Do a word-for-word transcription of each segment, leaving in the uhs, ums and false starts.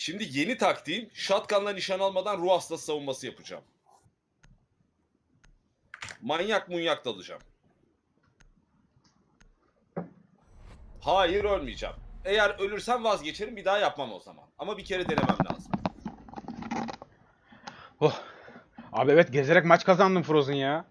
Şimdi yeni taktiğim shotgun'la nişan almadan ruh hastası savunması yapacağım. Manyak munyak dalacağım. Hayır ölmeyeceğim. Eğer ölürsem vazgeçerim, bir daha yapmam o zaman. Ama bir kere denemem lazım. Oh. Abi evet gezerek maç kazandım Frozen ya.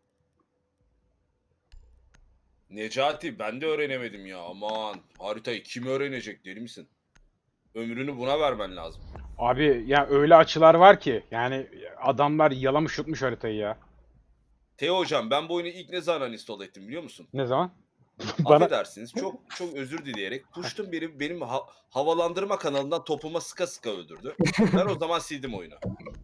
Necati ben de öğrenemedim ya, aman. Haritayı kim öğrenecek, deli misin? Ömrünü buna vermen lazım. Abi ya öyle açılar var ki yani adamlar yalamış yutmuş haritayı ya. Teo hocam, ben bu oyunu ilk ne zaman install ettim biliyor musun? Ne zaman? Bana Affedersiniz, çok çok özür dileyerek Puştun benim benim ha- havalandırma kanalından topuma sıka sıka öldürdü. Ben o zaman sildim oyunu.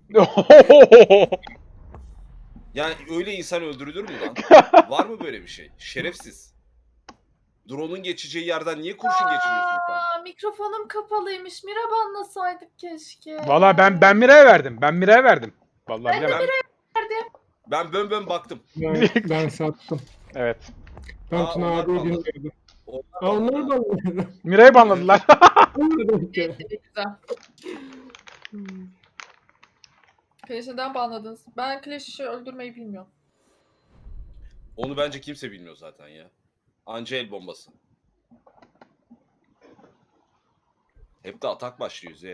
Yani öyle insan öldürülür mü lan? Var mı böyle bir şey? Şerefsiz. Drone'un geçeceği yerden niye kurşun geçiriyorsun sen? Aa, mikrofonum kapalıymış. Mira banlasaydık keşke. Valla ben ben Miray'a verdim. Ben Miray'a verdim. Vallahi Ben de bilemem. Ben bön bön baktım. Ben, ben sattım. Evet. Ben Aa, Tuna onlar abiyi banladı. dinliyordum. Onlar Aa onları banladı. banladım. Miray'ı banladılar. Anladım ki. Evet, güzel. Clash'i neden banladınız? Ben Clash'i öldürmeyi bilmiyorum. Onu bence kimse bilmiyor zaten ya. Anca el bombası. Hep de atak başlıyor Z.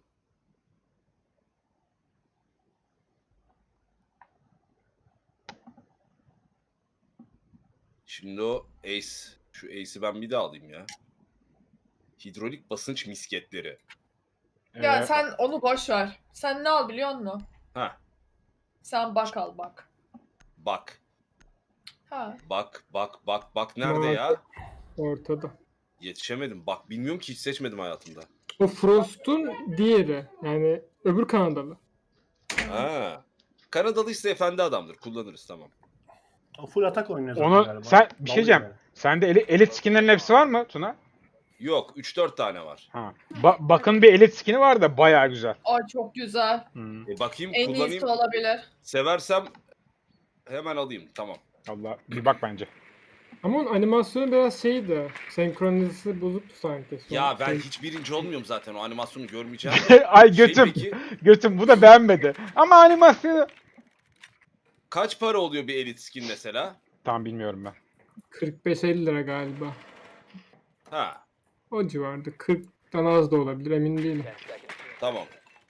Şimdi o Ace. Şu Ace'i ben bir daha alayım ya. Hidrolik basınç misketleri. Ya Evet. sen onu boş ver. Sen ne al biliyor musun? Ha, Sen bak al bak. bak. Ha. Bak, bak, bak, bak nerede Bak. ya? Ortada. Yetişemedim. Bak bilmiyorum ki, hiç seçmedim hayatımda. O Frost'un diğeri. Yani öbür Kanadalı. Ha. Kanadalı ise efendi adamdır. Kullanırız, tamam. O full atak oynuyor zaten Onu galiba. sen bir şey Dalıyor diyeceğim. yani. Sende eli, elit skinlerin hepsi var mı Tuna? Yok, üç dört tane var. Ha. Ba- bakın bir elit skini var da bayağı güzel. Ay çok güzel. Hmm. E bakayım, En kullanayım. iyisi olabilir. Seversem hemen alayım. Tamam. Allah bir bak bence. Ama onun animasyonu biraz şeydi. Senkronizası bozuktu sanki. Son- Ya ben şey- hiç birinci olmuyorum zaten. O animasyonu görmeyeceğim. Ay Şey götüm. peki, Götüm bu da beğenmedi. Ama animasyonu kaç para oluyor bir elit skin mesela? tam bilmiyorum ben. kırk beş elli lira galiba. Ha, O civarda. kırktan az da olabilir emin değilim. tamam.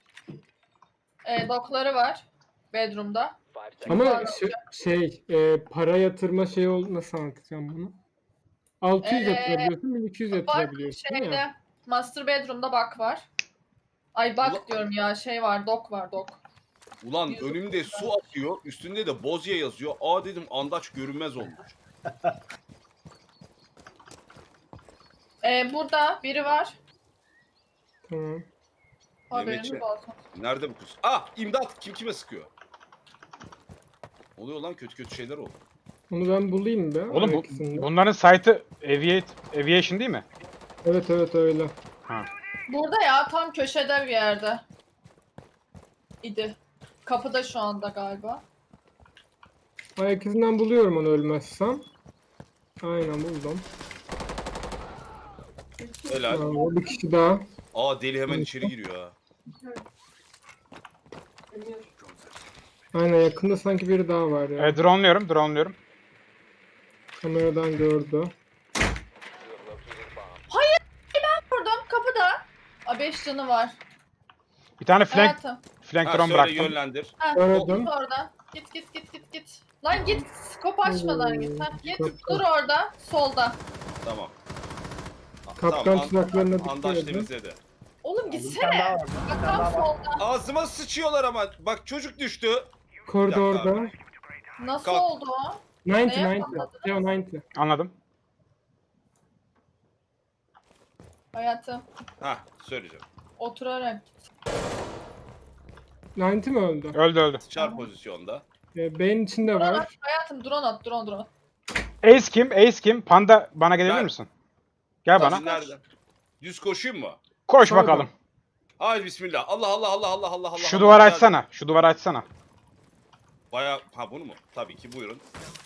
E, dokları var. Bedroom'da. Ama şey, şey e, para yatırma şeyi ol nasıl anlatacağım bunu? altı yüz Ee, yatırabiliyorsun, bin iki yüz Bak yatırabiliyorsun şeyde. ya. Master Bedroom'da bak var. Ay bak Ulan- diyorum ya, şey var, dok var, dok. Ulan önümde su akıyor. Üstünde de Bozya yazıyor. Aa dedim, andaç görünmez olmuş. Ee, burada biri var. Tamam. Haberiniz Mehmetçe. olsun. Nerede bu kız? Ah, imdat. Kim kime sıkıyor? Oluyor lan, kötü kötü şeyler oldu. Onu ben bulayım be. Oğlum bu, ikisini de. bunların site'ı Aviate, Aviation değil mi? Evet evet öyle. Ha. Burada ya, tam köşede bir yerde. İdi. Kapıda şu anda galiba. Ayak izinden buluyorum onu ölmezsem. Aynen buldum. Helal. Aa, bir kişi daha. Aa deli hemen içeri giriyor ha. Aynen yakında sanki biri daha var ya. E, drone'luyorum, drone'luyorum. Kameradan gördü. Vurdum kapıda. A beş canı var. Bir tane flank, Hayatım. flank Ha, drone söyle, bıraktım. yönlendir. Ha, Gördüm. git orada. Git git git git git. Lan git. Skop açmadan git. Ha, git. Kaptan. Dur orada. Solda. Tamam. Ha, Kaptan an- tuzaklarına an- dikkat Andaç edin. temizledi. Oğlum Bir tane daha gitsene. var. Bir Bak tane tam daha var. solda. Ağzıma sıçıyorlar ama. Bak çocuk düştü. Koridorda. Nasıl Kalk. oldu o? doksan Neye doksan. patladınız? Teo doksan. Anladım. Hayatım. Ha, söyleyeceğim. Oturarak git. doksan mi öldü? Öldü öldü. Çar pozisyonda. E, beyin içinde Drone var. at. Hayatım drone at. Drone drone. Ace kim? Ace kim? Panda bana gelebilir Ben. misin? Gel Tabii, bana. nereden? Düz koşayım mı? Koş Pardon. bakalım. Haydi bismillah. Allah Allah Allah Allah Allah Allah. Şu Allah, duvarı geldi. açsana. Şu duvarı açsana. Baya ha bunu mu? Tabii ki, buyurun.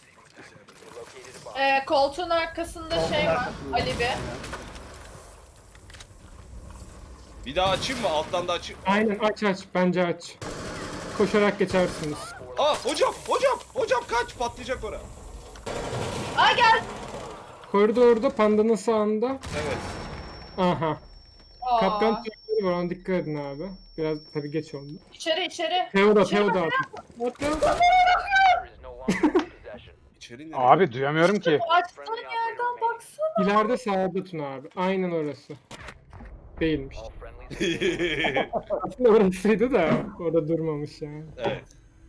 Ee, koltuğun arkasında Koltuğun şey var. arkasında. Ali bir. Bir daha açayım mı? Alttan da açayım. Aynen aç aç. Bence aç. Koşarak geçersiniz. Aa hocam hocam hocam kaç patlayacak ora. Aa gel. Koridorda pandanın sağında. Evet. Aha. Aa. Kapkan tuzakları var, ona dikkat edin abi. Biraz tabii geç oldu. İçeri içeri. Teo da, İçeri Teo da bak. abi. Teo da. İçeri nereye? Abi duyamıyorum ki. Bu açtığın yerden baksana. İleride sağda Tuna abi. Aynen orası. Değilmiş. Aslında orasıydı da orada durmamış yani. Evet.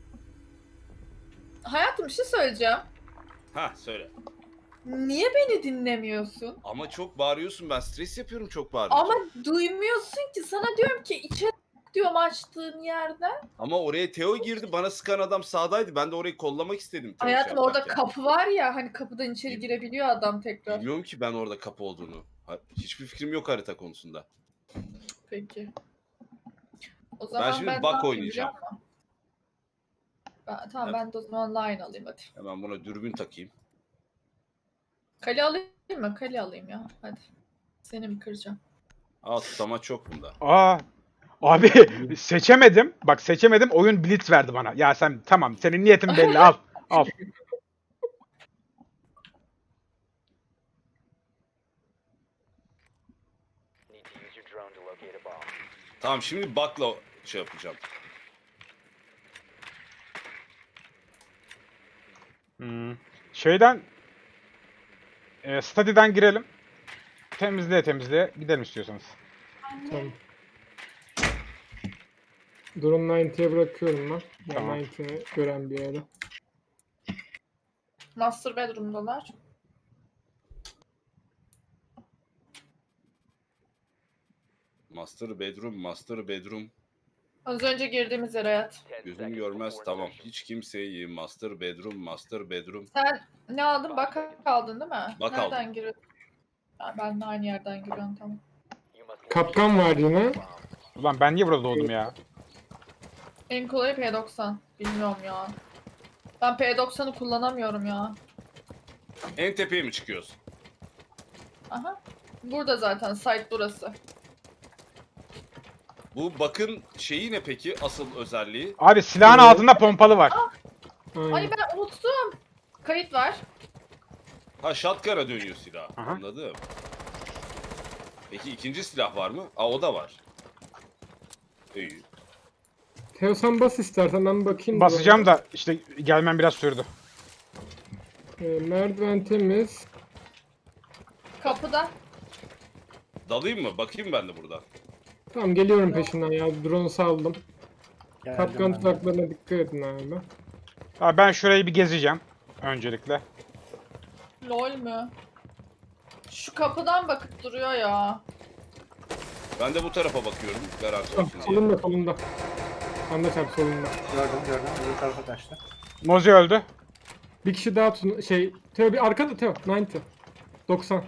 Hayatım bir şey söyleyeceğim. Ha söyle. Niye beni dinlemiyorsun? Ama çok bağırıyorsun, ben stres yapıyorum çok bağırınca. Ama Ama, duymuyorsun ki. Sana diyorum ki içeri diyorum açtığın yerden. Ama oraya Teo girdi, bana sıkan adam sağdaydı. Ben de orayı kollamak istedim. Teo Hayatım şey orada yaparken. kapı var ya, hani kapıdan içeri girebiliyor adam tekrar. Bilmiyorum ki ben orada kapı olduğunu. Ha- Hiçbir fikrim yok harita konusunda. Peki. O zaman şimdi ben, bak ne yapayım oynayacağım. biliyor musun? Ben, tamam Evet. ben de o zaman line alayım hadi. Hemen buna dürbün takayım. Kale alayım mı? Kale alayım ya. Hadi. Seni mi kıracağım? Aa tutamaç çok bunda. Aa. Abi seçemedim. Bak seçemedim. Oyun blitz verdi bana. Ya sen tamam. Senin niyetin belli. Al. Al. Tamam şimdi bakla şey yapacağım. Hmm. Şeyden e, Study'den girelim. Temizliğe temizliğe gidelim istiyorsanız. Tamam. Drone doksan'a bırakıyorum ben. Ben Tamam. doksan'ı gören bir yere. Master bedroom'dalar. Master bedroom, master bedroom. Az önce girdiğimiz yer hayat. Gözüm görmez tamam. Hiç kimseyi master bedroom, master bedroom. Sen ne aldın? Bak aldın değil mi? Bak Nereden aldım. giriyorsun? Ha, ben de aynı yerden giriyorum tamam. Kapkan var yine. Ulan ben niye burada doğdum ya? En kolayı P doksan. Bilmiyorum ya. Ben P doksan'ı kullanamıyorum ya. En tepeye mi çıkıyoruz? Aha. Burada zaten site burası. Bu bakın şeyi ne peki asıl özelliği? Abi silahın altında pompalı var. Aynen. Ay ben unuttum. Kayıt var. Ha shotgun'a dönüyor silah. Aha. Anladım. Peki ikinci silah var mı? Aa o da var. İyi. Teo sen bas istersen ben bakayım. Basacağım da işte gelmem biraz sürdü. Ee, merdiven temiz. Kapıda. Dalayım mı? Bakayım ben de buradan. Tamam geliyorum peşinden ya. Drone saldım. Geldim Kapkan ben de. tuzaklarına dikkat edin abi. Abi ben şurayı bir gezeceğim öncelikle. Lol mü? Şu kapıdan bakıp duruyor ya. Ben de bu tarafa bakıyorum. Garanti Tamam, olsun diye. solunda solunda. Anda çarp solunda. Gördüm gördüm. Öbür tarafa kaçtı. Mozi öldü. Bir kişi daha tun şey Teo bir arkada Teo doksan. doksan.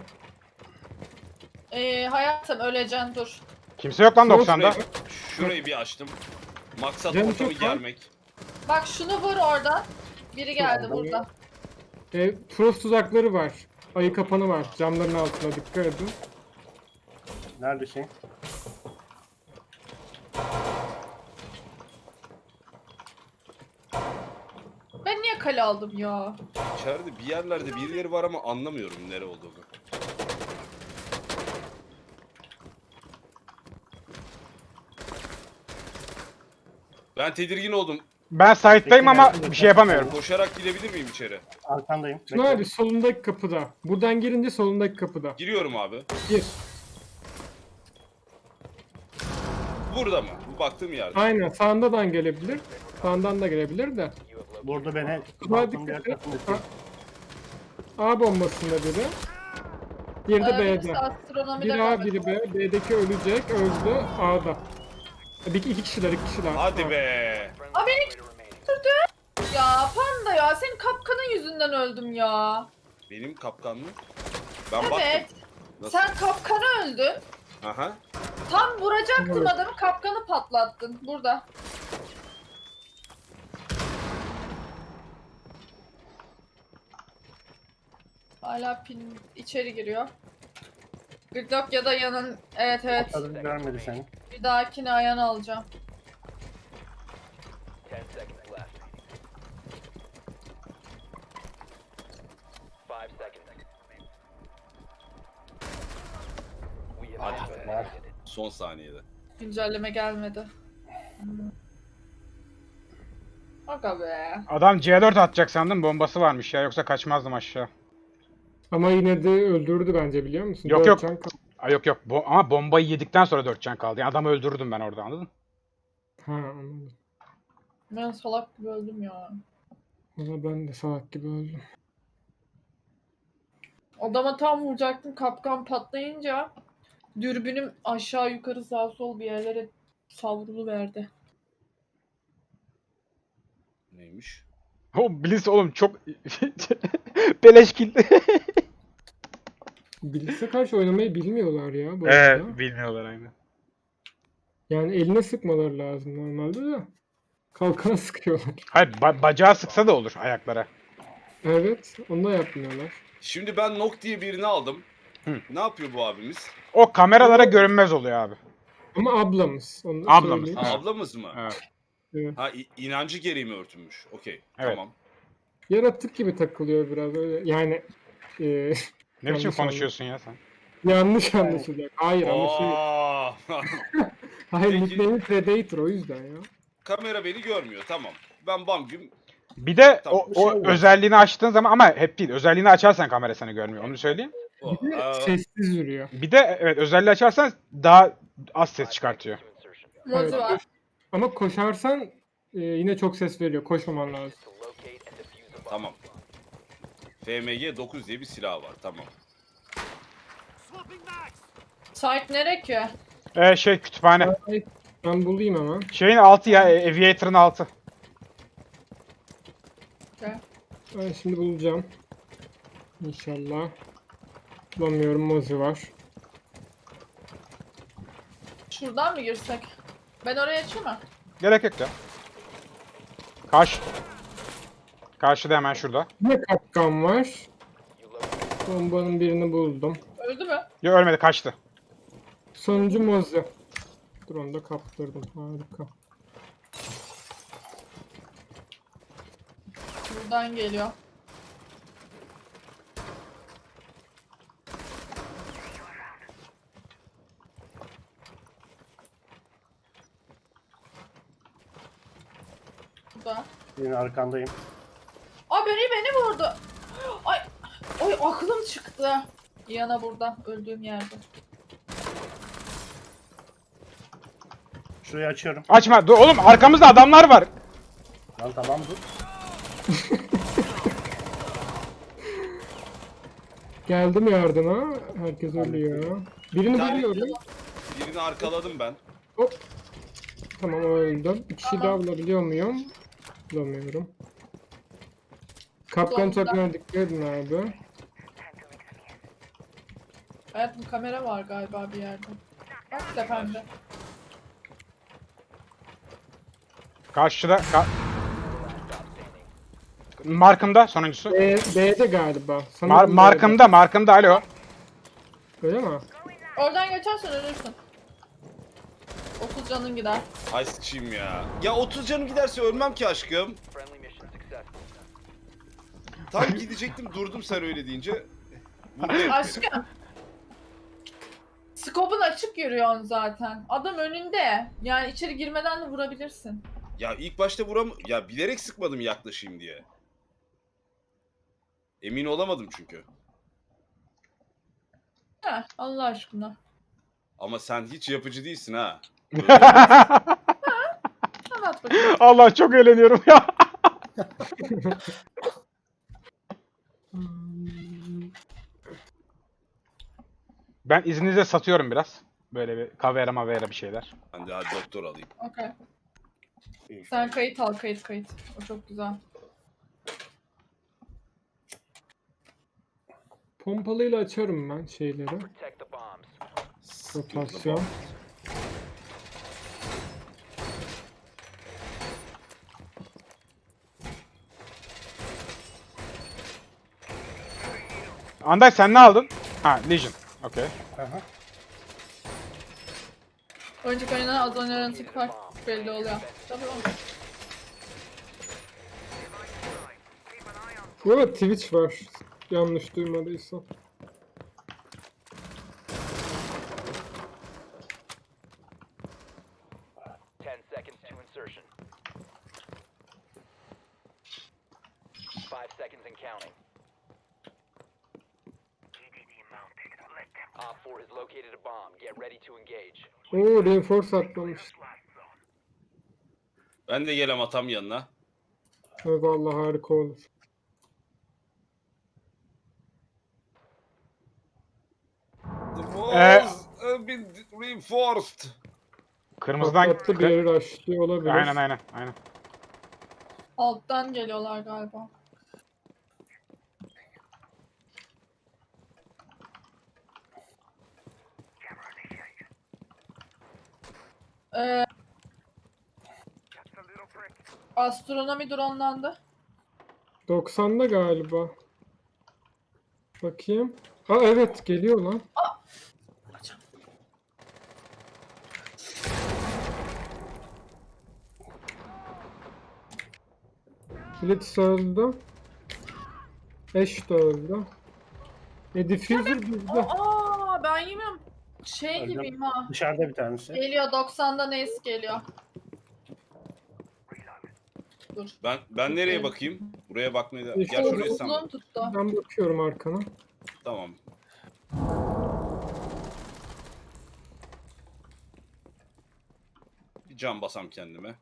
Ee, hayatım öleceksin dur. Kimse yok lan Sol doksanda. Şurayı, şurayı bir açtım. Maksat Canım ortamı çok var. germek. Bak şunu vur oradan. Biri geldi Tamam. burada. E, Frost tuzakları var. Ayı kapanı var. Camların altına dikkat edin. Nerede şey? Ben niye kale aldım ya? İçeride bir yerlerde birileri var ama anlamıyorum nere olduğunu. Ben tedirgin oldum. Ben site'dayım Peki, ama geldim bir şey yapamıyorum. Koşarak gidebilir miyim içeri? Arkandayım. Tuna Bekle. abi solundaki kapıda. Buradan girince solundaki kapıda. Giriyorum abi. Gir. Burada mı? Bu baktığım yerde. Aynen sağından gelebilir. Sağından da gelebilir de. Burada beni Hadi balkonun diğer dikkat et. tarafında. A, A bombasında biri. Diğeri de Ee, birisi B'de. astronomide Biri A, kaldı. biri B. B'deki ölecek, öldü. A'da. Bir iki kişiler, iki kişiler. Hadi Ha. be. Aa beni götürdü. Ya panda ya senin kapkanın yüzünden öldüm ya. Benim kapkan mı? Ben Evet. baktım. Nasıl? Sen kapkanı öldün. Aha. Tam vuracaktım Evet. adamı, kapkanı patlattın. Burada. Hala pin içeri giriyor. Gridlock ya da yanın... Evet evet. Kadın görmedi seni. Bir dahakine ayağını alacağım. Ten seconds left. Five seconds. We have Hadi been be. eliminated. Son saniyede. Güncelleme gelmedi. Hmm. Aga be. Adam C dört atacak sandım, bombası varmış ya, yoksa kaçmazdım aşağı. Ama yine de öldürdü bence, biliyor musun? Yok, Dört yok. can kaldı. Ay yok yok, bo- ama bombayı yedikten sonra dört can kaldı. Yani adamı öldürürdüm ben orada, anladın? Ha, anladım. Ben salak gibi öldüm ya. Valla ben de salak gibi öldüm. Adama tam vuracaktım, kapkan patlayınca dürbünüm aşağı yukarı sağ sol bir yerlere savruluverdi. Neymiş? O Blitz oğlum çok beleş kill. Blitz'e karşı oynamayı bilmiyorlar ya bu arada. bilmiyorlar aynı. Yani eline sıkmaları lazım normalde de. Kalkana sıkıyorlar. Hayır, ba- bacağı sıksa da olur ayaklara. Evet, onu da yapmıyorlar. Şimdi ben Nok diye birini aldım. Hı. Ne yapıyor bu abimiz? O kameralara görünmez oluyor abi. Ama ablamız. Onu da Ablamız, söyleyeyim. Ha, Evet. ablamız mı? Evet. Evet. Ha i- inancı gereği mi örtünmüş? Okey. Evet. Tamam. Yaratık gibi takılıyor biraz öyle. Yani e, Ne biçim Yanlış konuşuyorsun ya sen? yanlış anlaşılacak. Hayır ama şey. Aa! Hayır, Peki. nickname'i Predator, o yüzden ya. Kamera beni görmüyor. Tamam. Ben bam güm. Bir de Tamam, o, bir şey o olmaz. özelliğini açtığın zaman, ama hep değil. Özelliğini açarsan kamera seni görmüyor. Onu söyleyeyim. O, Bir de aa, sessiz yürüyor. Bir de evet, özelliği açarsan daha az ses çıkartıyor. To insertion. Mozi Evet. var. Ama koşarsan e, yine çok ses veriyor. Koşmaman lazım. To locate and defuse a bomb. Tamam. F M G dokuz diye bir silah var. Tamam. Site nere ki? Ee, şey kütüphane. Ay, ben bulayım hemen. Şeyin altı ya, e, Aviator'ın altı. Okay. Ben şimdi bulacağım. İnşallah. Bulamıyorum, Mozi var. Şuradan mı girsek? Ben oraya açayım mı? Gerek yok ya. Karşı. Karşıda hemen şurada. Yine kapkan var. You locate Bombanın birini buldum. Öldü mü? Yok, ölmedi, kaçtı. Sonuncu Mozi. Dur, onu da kaptırdım. Harika. Buradan geliyor. Burada. Senin arkandayım. Aa beni beni vurdu. Ay, ay aklım çıktı. Yana burada öldüğüm yerde. Şurayı açıyorum. Açma. Dur oğlum, arkamızda adamlar var. Lan tamam dur. Geldim yardıma. Herkes ölüyor. Birini Bir tane- buluyorum. Birini arkaladım ben. Hop. Tamam, o öldü. Bir kişi Tamam. daha bulabiliyor muyum? Bulamıyorum. Kapkan Sonunda. takımına dikkat edin abi. Hayatım kamera var galiba bir yerde. Bak tepemde. Karşıda. Ka- Markımda sonuncusu. B, B'de galiba. Mar- Sanırım B'de. markımda, markımda, alo. Öyle mi? Oradan geçersen ölürsün. otuz canın gider. Ay sıçayım ya. Ya otuz canım giderse ölmem ki aşkım. friendly mission success. Tam gidecektim, durdum sen öyle deyince. Vurdu herif beni. Aşkım. Skopun açık yürüyorsun zaten. Adam önünde. Yani içeri girmeden de vurabilirsin. Ya ilk başta vuram... Ya bilerek sıkmadım yaklaşayım diye. Emin olamadım çünkü. Heh, Allah aşkına. Ama sen hiç yapıcı değilsin ha. Anlat bakayım. Allah, çok eğleniyorum ya. Ben izninizle satıyorum biraz. Böyle bir kavera mavera bir şeyler. Ben de hadi doktor alayım. Okey. Sen kayıt al, kayıt kayıt. O çok güzel. Pompalıyla açarım ben şeyleri. Protect the bombs. Rotasyon. Anday, sen ne aldın? Ha, Legion. Okey. Aha. Önceki oyuna az önce arantık fark belli oluyor. Tabii oğlum. Bu arada Twitch var. Yanlış duymadıysam. Ten seconds to insertion. Five seconds and counting. Op four has located a bomb. Get ready to engage. Oo, reinforce atlamış. Ben de gelem atam yanına. Evet, vallahi harika olur. The Ee, walls have been reinforced. Kırmızıdan... Patlattı, bir kı- yeri rushlıyor olabilir. Aynen aynen aynen. Alttan geliyorlar galiba. Ee, astronomi dronlandı. doksanda galiba. Bakayım. Aa evet, geliyor lan. Blitz öldü. Ash de öldü. E diffuser bizde. Aa ben yemem. Şey Öldüm. gibiyim ha. Dışarıda bir tanesi. Geliyor doksandan Ace geliyor. Dur. Ben ben nereye bakayım? Buraya bakmaya da... İşte Gel şuraya sen Uzun bak. tuttu. Ben bakıyorum arkana. Tamam. Bir can basam kendime.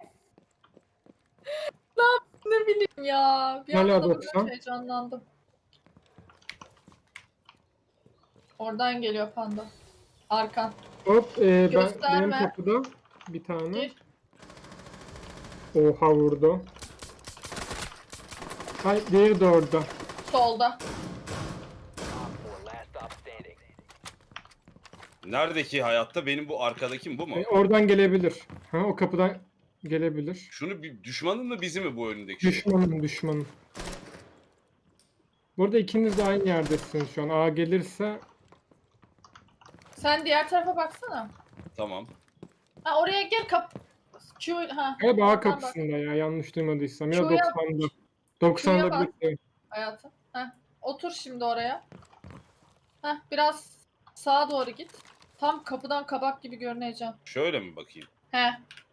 Ne bileyim ya. Bir Hala anda da doksan. böyle heyecanlandım. Oradan geliyor panda. Arkan. Hop e, ben, Gösterme. benim kapıda bir tane. Gir. Oha, vurdu. Ay, diğeri de orada. Solda. Op four last stop standing. Neredeki hayatta benim bu arkadakim bu mu? E, oradan gelebilir. Ha, o kapıdan gelebilir. Şunu bir düşmanın mı bizi mi bu önündeki şey? Düşmanım, düşmanım. Burada ikiniz de aynı yerdesiniz şu an. A gelirse Sen diğer tarafa baksana. Tamam. Ha oraya gel kap. Q ha. galiba A oradan bak kapısında ya, yanlış duymadıysam. Ya Şuraya- doksanda. doksanda şuraya bak. bir şey. hayatım. Ha. Otur şimdi oraya. Ha biraz sağa doğru git. Tam kapıdan kabak gibi görüneceğim. Şöyle mi bakayım? He.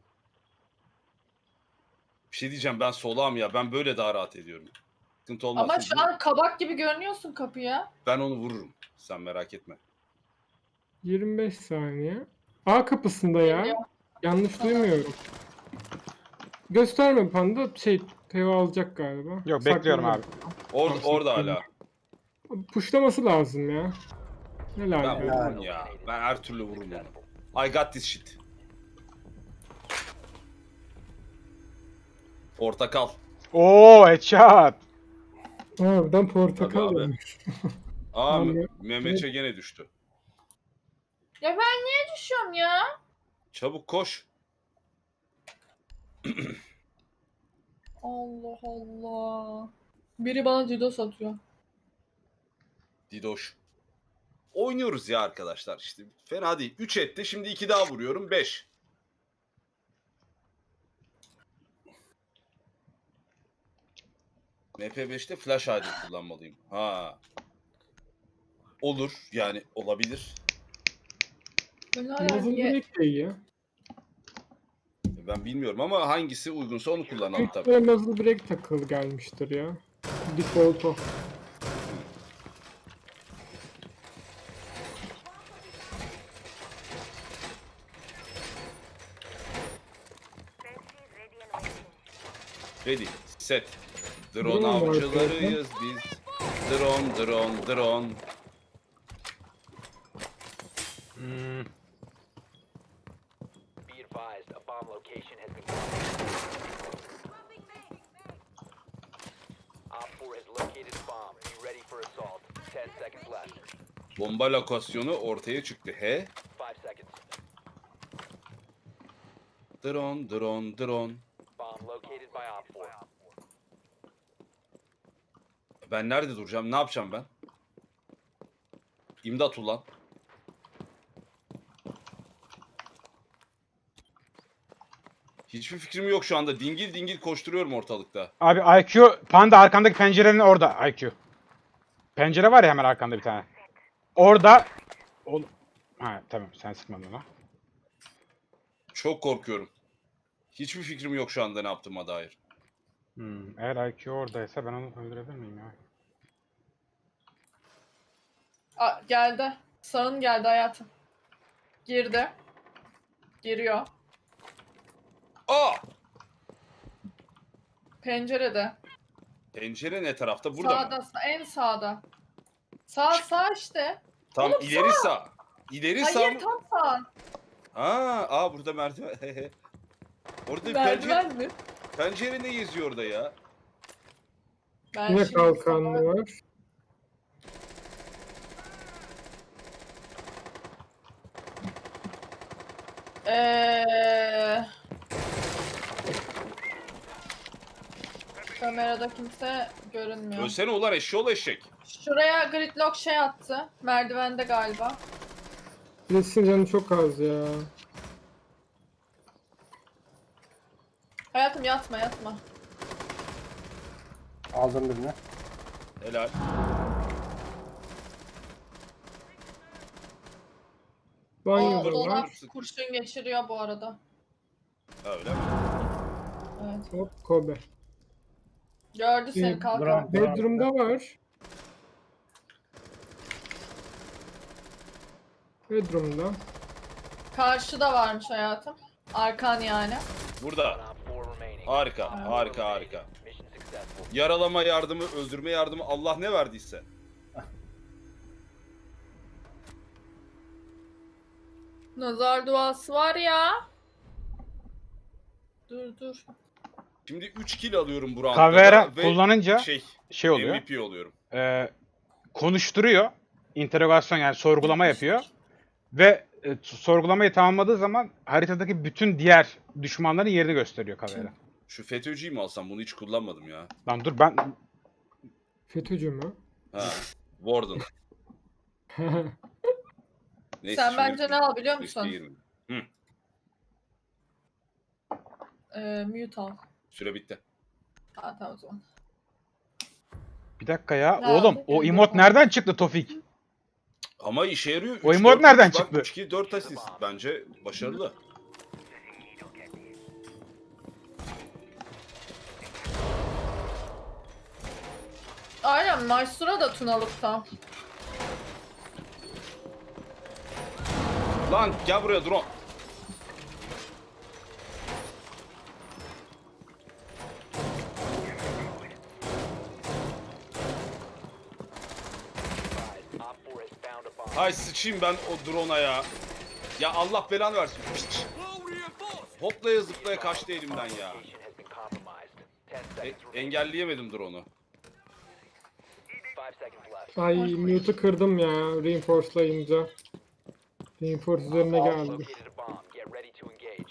Bir şey diyeceğim, ben solağım ya. Ben böyle daha rahat ediyorum. Sıkıntı olmaz. Ama Siz- şu an kabak gibi görünüyorsun kapıya. Ben onu vururum. Sen merak etme. yirmi beş saniye. A kapısında ya. Geliyor. Yanlış Tamam. duymuyorum. Gösterme panda, şey Teo alacak galiba. Yok bekliyorum Saklanıyor. abi. Orada, Tamam, orada saklanıyor. hala. Puşlaması lazım ya. Helal Ben be. vururum ya. Ben her türlü vururum onu. I got this shit. Portakal. Oo headshot. Harbiden portakal Tabii abi. olmuş. Aa Vallahi- Mehmetçe gene düştü. Ya ben niye düşüyorum ya? Çabuk koş. Allah Allah. Biri bana DDoS atıyor. Didoş. Oynuyoruz ya arkadaşlar işte. Fena değil. üç etti. Şimdi iki daha vuruyorum. beş. M P beşte flash hali kullanmalıyım. Ha. Olur. Yani olabilir. Böyle Muzzle ye- break de iyi ya. Ben bilmiyorum ama hangisi uygunsa onu kullanalım Büyük tabii. ihtimalle muzzle break takılı gelmiştir ya. Default o. Ready, set. Drone Drone var avcılarıyız biz. Drone, drone, drone. Hmm. Be advised, a bomb location has been found. Op four has located a bomb. Be ready for assault. Ten seconds left. Bomba lokasyonu ortaya çıktı. He? Five seconds. Drone, drone, drone. Bomb located by Op four. Ben nerede duracağım? Ne yapacağım ben? İmdat ulan. Hiçbir fikrim yok şu anda. Dingil dingil koşturuyorum ortalıkta. Abi I Q Panda arkandaki pencerenin orada I Q. Pencere var ya hemen arkanda bir tane. Orada Ol ha tamam sen sıkmadın ona. Çok korkuyorum. Hiçbir fikrim yok şu anda ne yaptığıma dair. Hmm, eğer I Q oradaysa ben onu öldürebilir miyim ya? Aa, geldi. Sağın geldi hayatım. Girdi. Giriyor. Aa! Pencerede. Pencere ne tarafta? Burada Sağda, mı? sa- en sağda. Sağ sağ işte. Tam Oğlum ileri sağ. İleri sağ Hayır mı? tam sağ. Aa, aa burada merdiven. Orada bir pencere, Merdiven mi? pencere ne geziyor orada ya? Ben Yine şimdi kalkanlı sana- var. Eee... Kamerada kimse görünmüyor. Ölsene ulan eşşoğlu eşek. Şuraya gridlock şey attı. Merdivende galiba. Resim canı çok az ya. Hayatım yatma yatma. Aldım birini. Helal. O Banyoda dolap var. kurşun geçiriyor bu arada. Ha, öyle mi? Evet. Hop Kobe. Gördü seni Bir- kalkan. Bravo. Bedroom'da var. Bedroom'da. Karşıda varmış hayatım. Arkan yani. Burada. One op four remaining. Harika, Aa. harika, harika. Mission successful. Yaralama yardımı, öldürme yardımı Allah ne verdiyse. Nazar duası var ya. Dur dur. Şimdi üç kill alıyorum bu roundda Kavera da ve kullanınca şey, şey oluyor. M V P oluyorum. e, konuşturuyor. İnterogasyon yani sorgulama yapıyor. Ve e, sorgulamayı tamamladığı zaman haritadaki bütün diğer düşmanların yerini gösteriyor Kavera. Şu FETÖ'cüyü mü alsam? Bunu hiç kullanmadım ya. Lan dur ben FETÖ'cü mü? Ha. Warden. Neyse, Sen şimdi bence ne al biliyor riske musun? girmedim. Ee, mute al. Süre bitti. Ha tamam o zaman. bir dakika ya. Ne Oğlum aldık? o Öyle emot yapalım. nereden çıktı Tofik? Ama işe yarıyor. O Üç, emote dört, nereden üç, bak, çıktı? üç kill dört asist. Bence başarılı. Aynen Maestro da Tunalık'ta. Lan gel buraya drone. Five. Op four has found a bomb. Hay sıçayım ben o drone'a ya. Ya Allah belanı versin. Piç. Hoplaya zıplaya kaçtı elimden ya. Location has been compromised. Ten E- seconds remaining. engelleyemedim drone'u. Five seconds left. Ay mute'u kırdım ya reinforce'layınca. Reinforce üzerine Op four geldi. located a bomb. Get ready to engage.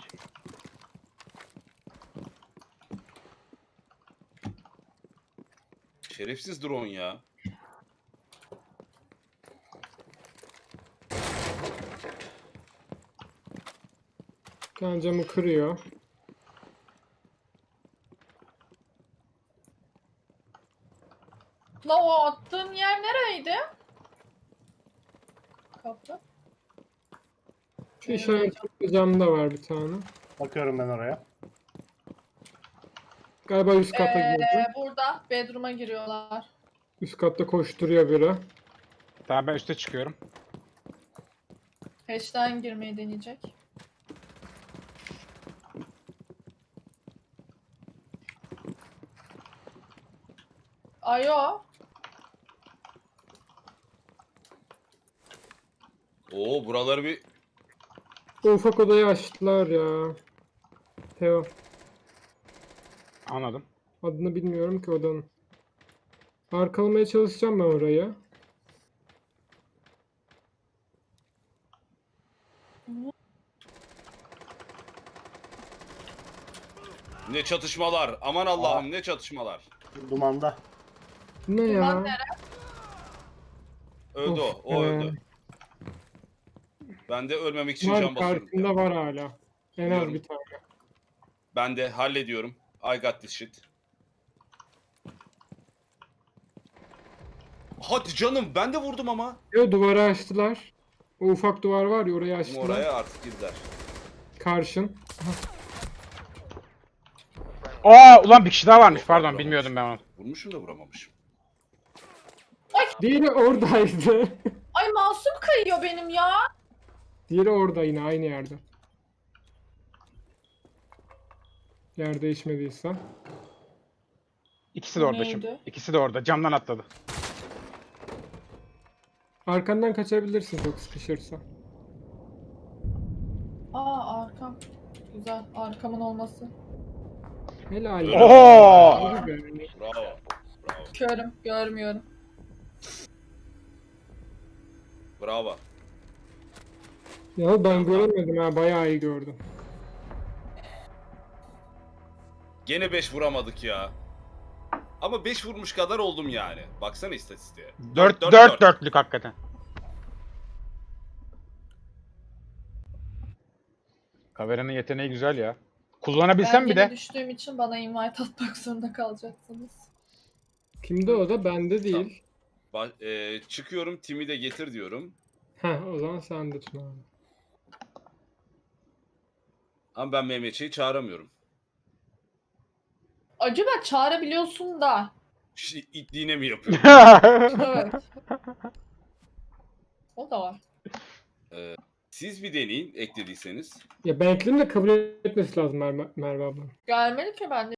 Şerefsiz drone ya. Kendi camı kırıyor. La o attığın yer nereydi? Kapı. Şu işaretli camda var bir tane. Bakıyorum ben oraya. Galiba üst kata Ee, girdi. burada bedroom'a giriyorlar. Üst katta koşturuyor biri. Tamam ben üste çıkıyorum. Hatch'ten girmeyi deneyecek. Ayo. Oo buraları bir O ufak odayı açtılar ya. Teo. Anladım. Adını bilmiyorum ki odanın. Arkalamaya çalışacağım ben orayı. ne çatışmalar. Aman Allah'ım ne çatışmalar. Dumanda. Bu ne Duman ya? nere? Öldü Of, o. O ee, öldü. Ben de ölmemek için Var can basıyorum. karşımda var hala. En az Biliyorum. bir tane. Ben de hallediyorum. I got this shit. Hadi canım ben de vurdum ama. Yo, duvarı açtılar. O ufak duvar var ya, orayı açtılar. Oraya artık girdiler. Karşın. Aa ulan bir kişi daha varmış. Yok, Pardon vuramamış. bilmiyordum ben onu. Vurmuşum da vuramamışım. Diğeri oradaydı. Ay masum kayıyor benim ya. Diğeri orada yine aynı yerde. Yer değişmediyse. İkisi de O orada şimdi. neydi? İkisi de orada. Camdan atladı. Arkandan kaçabilirsin çok sıkışırsa. Aa arkam. Güzel arkamın olması. Helal. Öyle. Oo! Yürü be. Bravo. Bravo. Körüm görmüyorum. Bravo. Ya ben göremedim ha, bayağı iyi gördüm. Gene beş vuramadık ya. Ama beş vurmuş kadar oldum yani. Baksana istatistiğe. Dört, dört, dört, dört. dörtlük hakikaten. Kaveranın yeteneği güzel ya. Kullanabilsem Ben bir gene de. düştüğüm için bana invite atmak zorunda kalacaksınız. Kimde o da? Bende değil. Ba- e, çıkıyorum Tim'i de getir diyorum. Heh, o zaman sen de Tuna abi. Ama ben Mehmetçiği çağıramıyorum. Acaba çağırabiliyorsun da. Şi- İtliğine mi yapıyorum? Evet. O da var. Siz bir deneyin eklediyseniz. Ya ben ekledim de kabul etmesi lazım Merve, Merve abla. Gelmeli ki ben de